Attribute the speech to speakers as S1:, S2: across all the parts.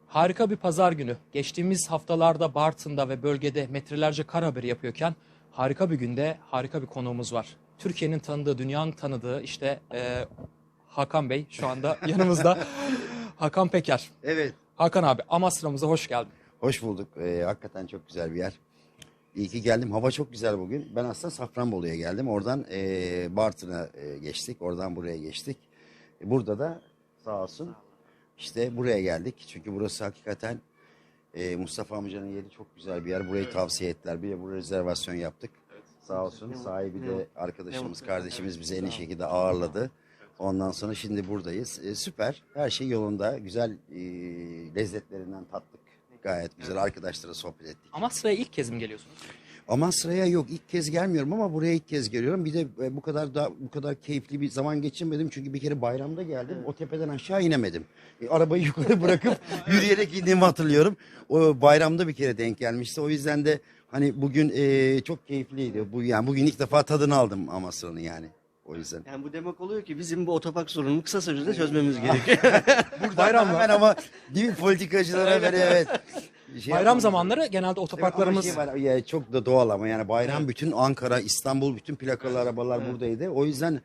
S1: Harika bir pazar günü. Geçtiğimiz haftalarda Bartın'da ve bölgede metrelerce kar haberi yapıyorken harika bir günde harika bir konuğumuz var. Türkiye'nin tanıdığı, dünyanın tanıdığı işte Hakan Bey şu anda yanımızda. Hakan Peker.
S2: Evet.
S1: Hakan abi, Amasra'mıza hoş geldin.
S2: Hoş bulduk. Hakikaten çok güzel bir yer. İyi ki geldim. Hava çok güzel bugün. Ben aslında Safranbolu'ya geldim. Oradan Bartın'a geçtik. Oradan buraya geçtik. Burada da sağ olsun işte buraya geldik. Çünkü burası hakikaten Mustafa amcanın yeri çok güzel bir yer. Burayı tavsiye ettiler. Bir de buraya rezervasyon yaptık. Sağ olsun. Sahibi de arkadaşımız, kardeşimiz bizi en iyi şekilde ağırladı. Ondan sonra şimdi buradayız. Süper. Her şey yolunda. Güzel lezzetlerinden tattık. Gayet güzel. Arkadaşlara sohbet ettik.
S1: Amasra'ya ilk kez mi geliyorsunuz?
S2: Amasra'ya yok, ilk kez gelmiyorum ama buraya ilk kez geliyorum. Bir de bu kadar keyifli bir zaman geçirmedim. Çünkü bir kere bayramda geldim. O tepeden aşağı inemedim. Arabayı yukarı bırakıp yürüyerek indiğimi hatırlıyorum. O bayramda bir kere denk gelmişti. O yüzden de hani bugün çok keyifliydi. Yani bugün ilk defa tadını aldım Amasra'nın yani. O yüzden.
S3: Yani bu demek oluyor ki bizim bu otopark sorununu kısa sürede çözmemiz gerekiyor.
S2: Bayram hemen ama değil mi politikacılara böyle evet.
S1: Bayram zamanları genelde otoparklarımız...
S2: Evet, var, ya, çok da doğal ama yani bayram bütün Ankara, İstanbul bütün plakalı arabalar buradaydı. O yüzden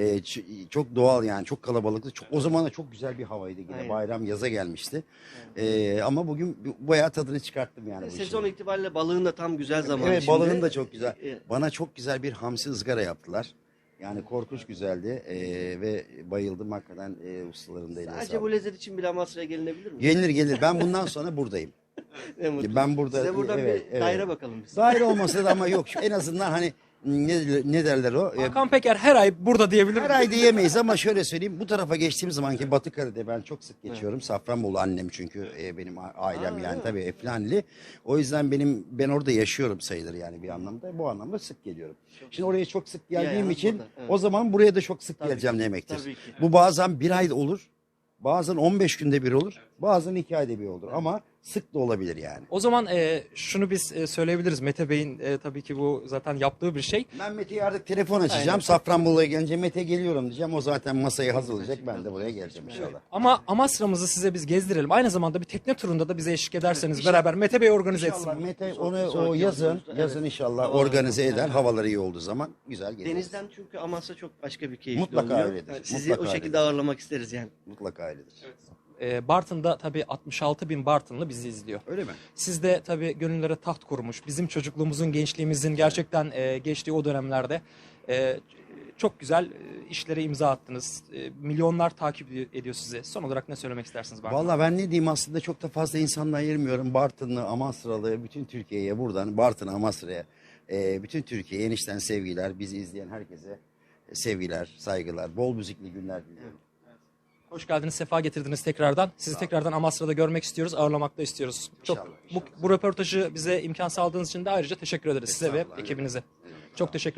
S2: çok doğal yani çok kalabalıktı. O zaman da çok güzel bir havaydı yine.
S3: Aynen.
S2: Bayram yaza gelmişti. Ama bugün bayağı tadını çıkarttım yani. Bu
S3: Sezon
S2: işin.
S3: itibariyle balığın da tam güzel zamanı
S2: Evet,
S3: şimdi.
S2: balığın da çok güzel.
S3: Evet.
S2: Bana çok güzel bir hamsi ızgara yaptılar. Yani korkunç güzeldi ve bayıldım hakikaten ustaların da eline
S3: Sadece
S2: sağlık.
S3: bu lezzet için bile Amasra'ya gelinebilir mi?
S2: Gelir. Ben bundan sonra buradayım.
S3: Ne mutlu.
S2: Ben burada
S3: Size buradan
S2: evet,
S3: bir daire bakalım biz.
S2: Daire olmasa da ama yok. En azından hani ne derler o?
S1: Hakan Peker her ay burada diyebilir
S2: Her
S1: miyim?
S2: ay diyemeyiz ama şöyle söyleyeyim. Bu tarafa geçtiğim zaman ki Batı Karadeniz'de ben çok sık geçiyorum. Safranbolu annem çünkü benim ailem yani tabii Eflanili. O yüzden ben orada yaşıyorum sayılır yani bir anlamda. Bu anlamda sık geliyorum. Şimdi oraya çok sık geldiğim
S3: Yani
S2: için
S3: burada, evet.
S2: o zaman buraya da çok sık
S3: Tabii
S2: geleceğim
S3: ki,
S2: demektir.
S3: tabii ki.
S2: Bu bazen bir ay olur. Bazen 15 günde bir olur. Bazen 2 ayda bir olur. Ama sık da olabilir yani.
S1: O zaman şunu biz söyleyebiliriz. Mete Bey'in tabii ki bu zaten yaptığı bir şey.
S2: Ben Mete'ye artık telefon açacağım. Safranbolu'ya gelince Mete geliyorum diyeceğim. O zaten masayı hazırlayacak. Ben de buraya geleceğim inşallah.
S1: Ama Amasra'mızı size biz gezdirelim. Aynı zamanda bir tekne turunda da bize eşlik ederseniz beraber Mete Bey organize etsin.
S2: İnşallah Mete onu
S3: sonraki
S2: yazın
S3: yolculuğumuzda,
S2: inşallah
S3: Havalar
S2: organize
S3: iyi
S2: eder.
S3: olduğunda.
S2: Havaları iyi olduğu zaman güzel gezeriz.
S3: Denizden çünkü Amasra çok başka bir keyifli
S2: Mutlaka
S3: oluyor.
S2: öyledir,
S3: Sizi
S2: mutlaka
S3: o şekilde
S2: öyledir.
S3: ağırlamak isteriz yani.
S2: Mutlaka öyledir.
S1: Bartın'da tabii 66 bin Bartınlı bizi izliyor.
S2: Öyle mi?
S1: Siz de tabii gönüllere taht kurmuş. Bizim çocukluğumuzun, gençliğimizin gerçekten geçtiği o dönemlerde çok güzel işlere imza attınız. Milyonlar takip ediyor sizi. Son olarak ne söylemek istersiniz Bartın'a?
S2: Vallahi ben ne diyeyim aslında çok da fazla insanla ayırmıyorum. Bartınlı, Amasralı, bütün Türkiye'ye buradan Bartın'a, Amasra'ya, bütün Türkiye'ye enişten sevgiler. Bizi izleyen herkese sevgiler, saygılar, bol müzikli günler diliyorum.
S1: Hoş geldiniz, sefa getirdiniz tekrardan. Sizi tekrardan Amasra'da görmek istiyoruz, ağırlamak da istiyoruz.
S2: İnşallah,
S1: Bu röportajı bize imkan sağladığınız için de ayrıca teşekkür ederiz size ve
S2: Estağfurullah,
S1: ekibinize.
S2: evet.
S1: Çok teşekkür